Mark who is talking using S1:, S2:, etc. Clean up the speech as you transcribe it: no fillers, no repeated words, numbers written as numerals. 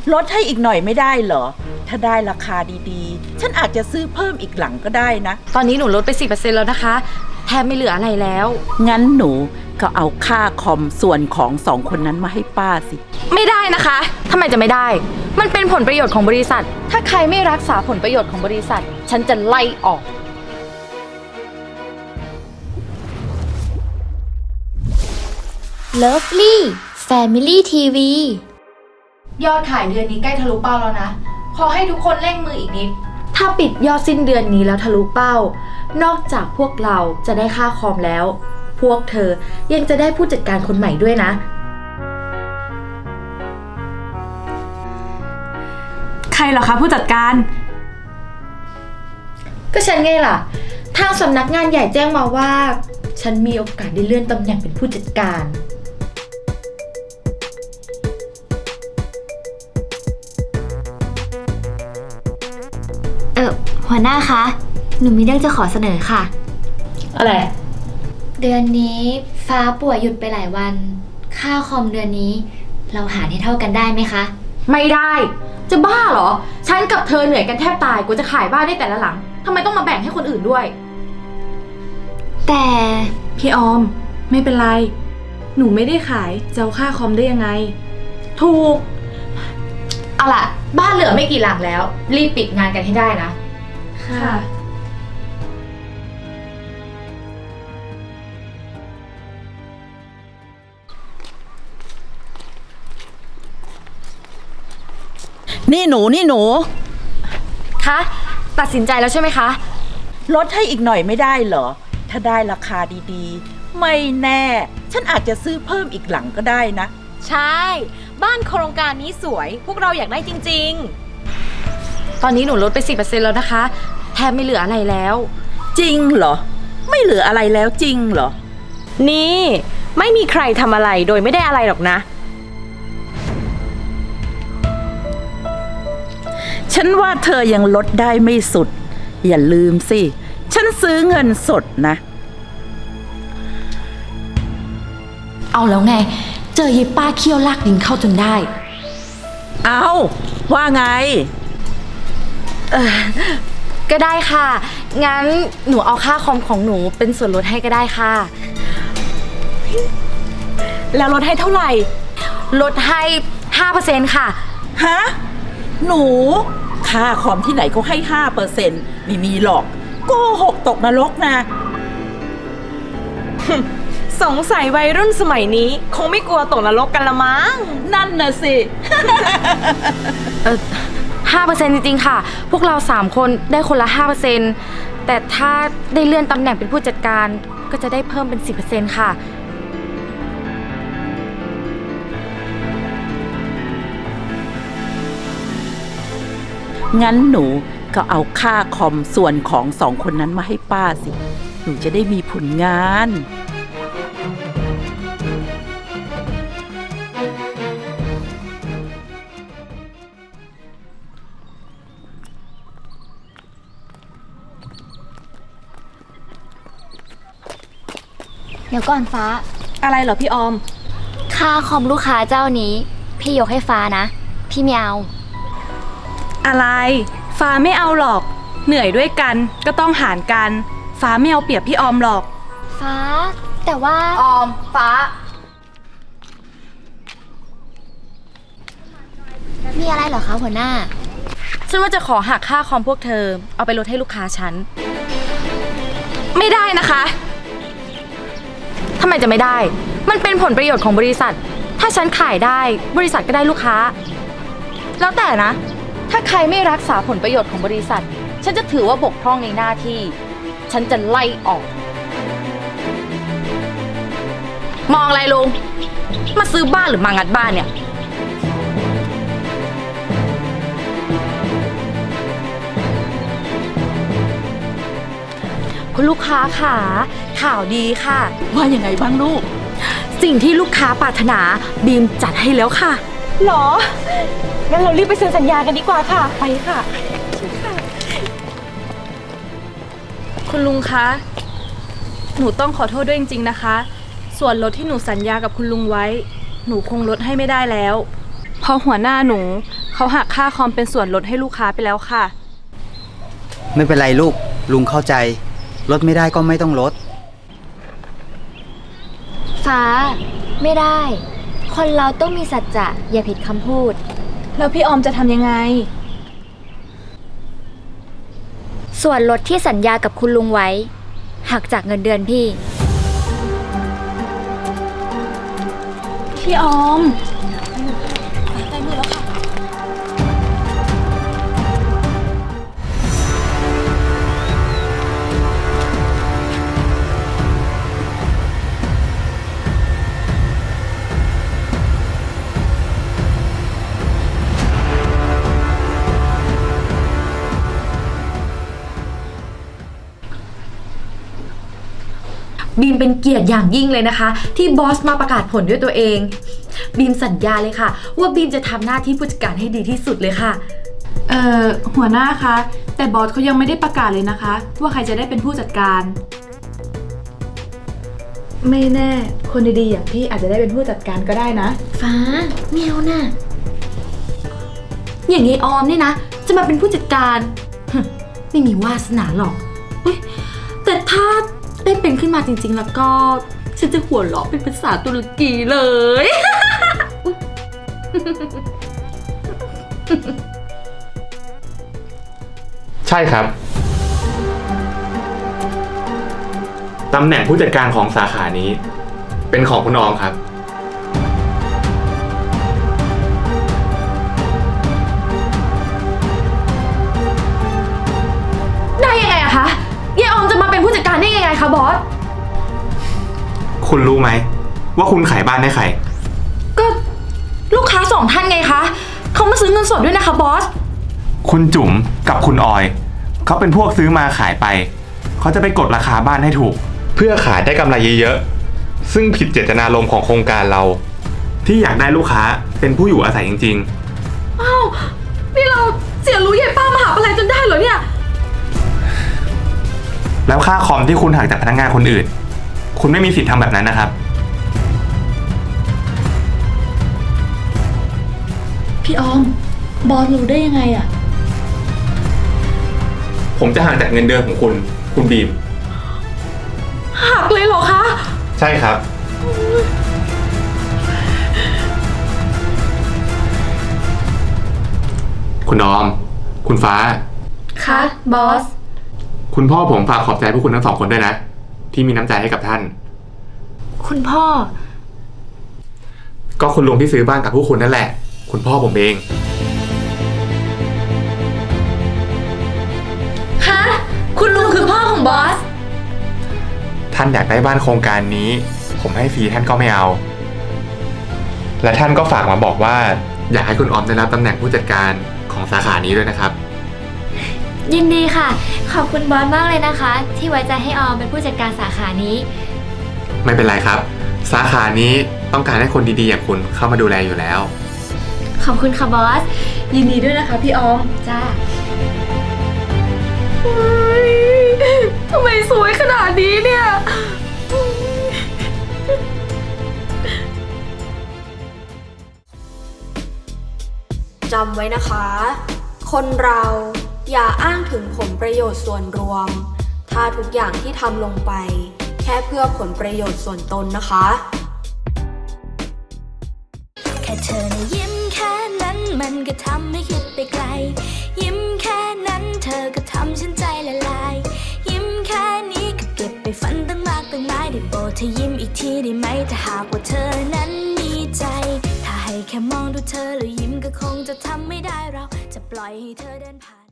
S1: ลดให้อีกหน่อยไม่ได้เหรอถ้าได้ราคาดีๆฉันอาจจะซื้อเพิ่มอีกหลังก็ได้นะ
S2: ตอนนี้หนูลดไป 10% แล้วนะคะแทบไม่เหลืออะไรแล้ว
S1: งั้นหนูก็เอาค่าคอมส่วนของ2 คนนั้นมาให้ป้าสิ
S2: ไม่ได้นะคะทำไมจะไม่ได้มันเป็นผลประโยชน์ของบริษัทถ้าใครไม่รักษาผลประโยชน์ของบริษัทฉันจะไล่ออก
S3: Lovely Family TV
S2: ยอดขายเดือนนี้ใกล้ทะลุเป้าแล้วนะขอให้ทุกคนเร่งมืออีกนิดถ้าปิดยอดสิ้นเดือนนี้แล้วทะลุเป้านอกจากพวกเราจะได้ค่าคอมแล้วพวกเธอยังจะได้ผู้จัดการคนใหม่ด้วยนะใครเหรอคะผู้จัดการก็ฉันไงล่ะทางสำนักงานใหญ่แจ้งมาว่าฉันมีโอกาสได้เลื่อนตำแหน่งเป็นผู้จัดการ
S3: หัวหน้าคะหนูมีเรื่องจะขอเสนอค่ะ
S2: อะไร
S3: เดือนนี้ฟ้าป่วยหยุดไปหลายวันค่าคอมเดือนนี้เราหารให้เท่ากันได้ไหมคะ
S2: ไม่ได้จะบ้าเหรอฉันกับเธอเหนื่อยกันแทบตายกว่าจะขายบ้านได้แต่ละหลังทำไมต้องมาแบ่งให้คนอื่นด้วย
S3: แต่
S2: พี่ออมไม่เป็นไรหนูไม่ได้ขายจะเอาค่าคอมได้ยังไงถูกเอาล่ะบ้านเหลือไม่กี่หลังแล้วรีบปิดงานกันให้ได้นะค่ะ
S1: นี่หนู
S2: คะตัดสินใจแล้วใช่ไหมคะ
S1: ลดให้อีกหน่อยไม่ได้เหรอถ้าได้ราคาดีๆไม่แน่ฉันอาจจะซื้อเพิ่มอีกหลังก็ได้นะ
S4: ใช่บ้านโครงการนี้สวยพวกเราอยากได้จริง
S2: ๆตอนนี้หนูลดไป 10% แล้วนะคะแทบไม่เหลืออะไรแล้ว
S1: จริงเหรอไม่เหลืออะไรแล้วจริงเหรอ
S4: นี่ไม่มีใครทำอะไรโดยไม่ได้อะไรหรอกนะ
S1: ฉันว่าเธอยังลดได้ไม่สุดอย่าลืมสิฉันซื้อเงินสดนะ
S2: เอาแล้วไงเจอยีป้าเคี่ยวลากดินเข้าจนได้
S1: เอาว่าไง
S2: ก็ได้ค่ะงั้นหนูเอาค่าคอมของหนูเป็นส่วนลดให้ก็ได้ค่ะ
S4: แล้วลดให้เท่าไหร่
S2: ลดให้ 5% ค่ะ
S1: ฮะหนูค่าคอมที่ไหนเขาให้ 5% ไม่มีหรอกโกหกตกนรกนะ
S4: สงสัยวัยรุ่นสมัยนี้คงไม่กลัวตกนรกกันละมั้ง
S1: นั่นน่ะสิ
S2: 5% จริงๆค่ะพวกเรา3คนได้คนละ 5% แต่ถ้าได้เลื่อนตำแหน่งเป็นผู้จัดการก็จะได้เพิ่มเป็น 10% ค่ะ
S1: งั้นหนูก็เอาค่าคอมส่วนของ2 คนนั้นมาให้ป้าสิหนูจะได้มีผลงาน
S3: เดี๋ยวก่อนฟ้า
S4: อะไรเหรอพี่ออม
S3: ค่าคอมลูกค้าเจ้านี้พี่ยกให้ฟ้านะพี่ไม่เอา
S4: อะไรฟ้าไม่เอาหรอกเหนื่อยด้วยกันก็ต้องหารกันฟ้าไม่เอาเปรียบพี่ออมหรอก
S3: ฟ้าแต่ว่า
S2: ออมฟ้า
S3: มีอะไรเหรอคะหัวหน้า
S2: ฉันว่าจะขอหักค่าคอมพวกเธอเอาไปลดให้ลูกค้าฉันไม่ได้นะคะทำไมจะไม่ได้มันเป็นผลประโยชน์ของบริษัทถ้าฉันขายได้บริษัทก็ได้ลูกค้าแล้วแต่นะถ้าใครไม่รักษาผลประโยชน์ของบริษัทฉันจะถือว่าบกพร่องในหน้าที่ฉันจะไล่ออกมองอะไรลุงมาซื้อบ้านหรือมางัดบ้านเนี่ยคุณลูกค้าค่ะข่าวดีค่ะ
S1: ว่ายังไงบ้างลูก
S2: สิ่งที่ลูกค้าปรารถนาบีมจัดให้แล้วค่ะ
S4: หรองั้นเรารีบไปเซ็นสัญญากันดีกว่าค่ะไปค่ะ
S5: คุณลุงคะหนูต้องขอโทษด้วยจริงๆนะคะส่วนลดที่หนูสัญญากับคุณลุงไว้หนูคงลดให้ไม่ได้แล้วเพราะหัวหน้าหนู
S4: เขาหักค่าคอมเป็นส่วนลดให้ลูกค้าไปแล้วค่ะ
S6: ไม่เป็นไรลูก ลุงเข้าใจ ลดไม่ได้ก็ไม่ต้องลด
S3: ฟ้า ไม่ได้ คนเราต้องมีสัจจะอย่าผิดคำพูด
S4: แล้วพี่ออมจะทำยังไง
S3: ส่วนลดที่สัญญากับคุณลุงไว้ หักจากเงินเดือนพี่
S4: พี่ออม
S2: บีมเป็นเกียรติอย่างยิ่งเลยนะคะ ที่บอสมาประกาศผลด้วยตัวเอง บีมสัญญาเลยค่ะ ว่าบีมจะทำหน้าที่ผู้จัดการให้ดีที่สุดเลยค่ะ
S5: หัวหน้าคะ แต่บอสเขายังไม่ได้ประกาศเลยนะคะ ว่าใครจะได้เป็นผู้จัดการ ไม่แน่ คนดีๆอย่างพี่อาจจะได้เป็นผู้จัดการก็ได้นะ
S3: ฟ้าเมียวน่ะ
S2: อย่างนี้ออมนี่นะ จะมาเป็นผู้จัดการไม่มีวาสนาหรอกอุ๊ยแต่ถ้าได้เป็นขึ้นมาจริงๆแล้วก็ฉันจะหัวเราะเป็นภาษาตุรกีเลย
S7: ใช่ครับ ตำแหน่งผู้จัดการของสาขานี้ เป็นของคุณออมครับ
S2: ได้ยังไงอะคะยายออมจะมาเป็นผู้จัดการได้ยังไงคะบอส
S7: คุณรู้ไหมว่าคุณขายบ้านให้ใคร
S2: ก็ลูกค้า2 ท่านไงคะเขามาซื้อเงินสดด้วยนะคะบอส
S7: คุณจุ๋มกับคุณออยเขาเป็นพวกซื้อมาขายไปเขาจะไปกดราคาบ้านให้ถูก เพื่อขายได้กำไรเยอะๆซึ่งผิดเจตนารมณ์ของโครงการเรา ที่อยากได้ลูกค้าเป็นผู้อยู่อาศัยจริงๆ
S2: อ้าวนี่เราเสียรู้ยายป้ามหาอะไรจนได้เหรอเนี่ย
S7: แล้วค่าคอมที่คุณหักจากพนักงานคนอื่น คุณไม่มีสิทธิ์ทำแบบนั้นนะครับ
S4: พี่ออม บอสรู้ได้ยังไงอะ
S7: ผมจะหักจากเงินเดือนของคุณ คุณบีม
S2: หักเลยเหรอคะ
S7: ใช่ครับ คุณออม คุณฟ้า
S3: คะบอส
S7: คุณพ่อผมฝากขอบใจพวกคุณทั้ง2 คนด้วยนะ ที่มีน้ำใจให้กับท่าน
S3: คุณพ่อ
S7: ก็คุณลุงที่ซื้อบ้านกับพวกคุณนั่นแหละ คุณพ่อผมเอง
S2: ฮะ คุณลุงคือพ่อของบอส
S7: ท่านอยากได้บ้านโครงการนี้ ผมให้ฟรีท่านก็ไม่เอา และท่านก็ฝากมาบอกว่า อยากให้คุณออมได้รับตำแหน่งผู้จัดการของสาขานี้ด้วยนะครับ
S3: ยินดีค่ะ ขอบคุณบอสมากเลยนะคะ ที่ไว้ใจให้ออมเป็นผู้จัดการสาขานี้
S7: ไม่เป็นไรครับ สาขานี้ต้องการให้คนดีๆอย่างคุณเข้ามาดูแลอยู่แล้ว
S3: ขอบคุณค่ะบอส
S4: ยินดีด้วยนะคะพี่ออม
S3: จ้า
S2: ทำไมสวยขนาดนี้เนี่ย
S8: จำไว้นะคะ คนเราอย่าอ้างถึงผลประโยชน์ส่วนรวม ถ้าทุกอย่างที่ทำลงไป แค่เพื่อผลประโยชน์ส่วนตนนะคะ
S9: แค่เธอนะยิ้มแค่นั้นมันก็ทำให้คิดไปไกล ยิ้มแค่นั้นเธอก็ทำฉันใจละลาย ยิ้มแค่นี้ก็เก็บไปฝันตั้งมากตั้งหลายได้โปรดเธอยิ้มอีกทีได้ไหมถ้าหากว่าเธอนั้นมีใจ ถ้าให้แค่มองดูเธอแล้วยิ้มก็คงจะทำไม่ได้เราจะปล่อยให้เธอเดินผ่าน